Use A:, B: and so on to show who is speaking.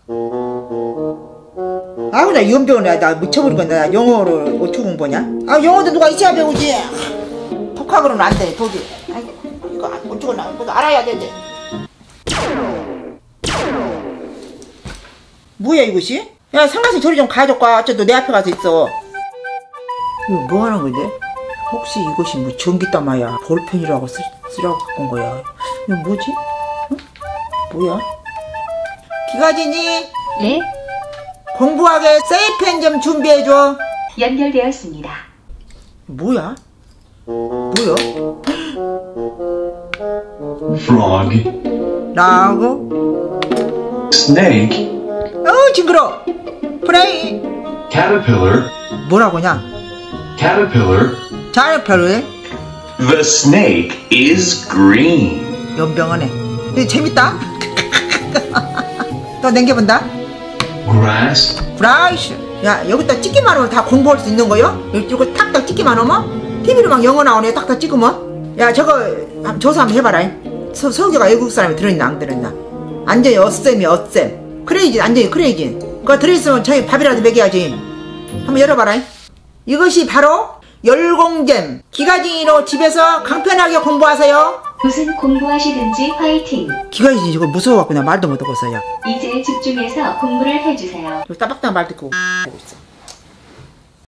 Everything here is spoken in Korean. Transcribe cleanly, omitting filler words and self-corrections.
A: 아우 나 연병을 나 미쳐버릴 건데 나 영어를 어떻게 공부하냐? 아 영어도 누가 있어야 배우지. 독학으로는 안 돼 도저히. 아이고 이거 어쩌고 나 이거 알아야 되는데. 뭐야 이것이? 야 상가씨 저리 좀 가져가. 저 너 내 앞에 가서 있어. 이거 뭐 하는 건데? 혹시 이것이 뭐 전기담아야 볼펜이라고 쓰라고 갖고 온 거야. 이거 뭐지? 응? 뭐야? 기가진이?
B: 네?
A: 공부하게 세이펜 좀 준비해줘.
B: 연결되었습니다.
A: 뭐야? 뭐야?
C: Frog,
A: 라고?
C: snake,
A: 징그러. 프레이.
C: caterpillar,
A: 뭐라고냐?
C: caterpillar.
A: 잘 별로해.
C: The snake is green.
A: 연병하네. 이거 재밌다. 또 남겨본다.
C: Grass,
A: 브라이스. 야 여기다 찍기만 하면 다 공부할 수 있는 거요? 이거 탁탁 찍기만 하면? TV로 막 영어 나오네. 딱딱 찍으면? 야 저거 조사 한번 해봐라. 서우기가 외국 사람이 들어있나 안 들어있나? 완전히 어쌤이 어쌤. 크레이지 완전히 크레이지. 그거 들어있으면 저희 밥이라도 먹여야지. 한번 열어봐라. 이것이 바로 열공잼. 기가진이로 집에서 간편하게 공부하세요.
B: 무슨 공부하시든지 화이팅.
A: 기가진이 저거 무서워갖고 나 말도 못하고 있어요.
B: 이제 집중해서 공부를 해주세요.
A: 따박따박 말 듣고 하고 있어.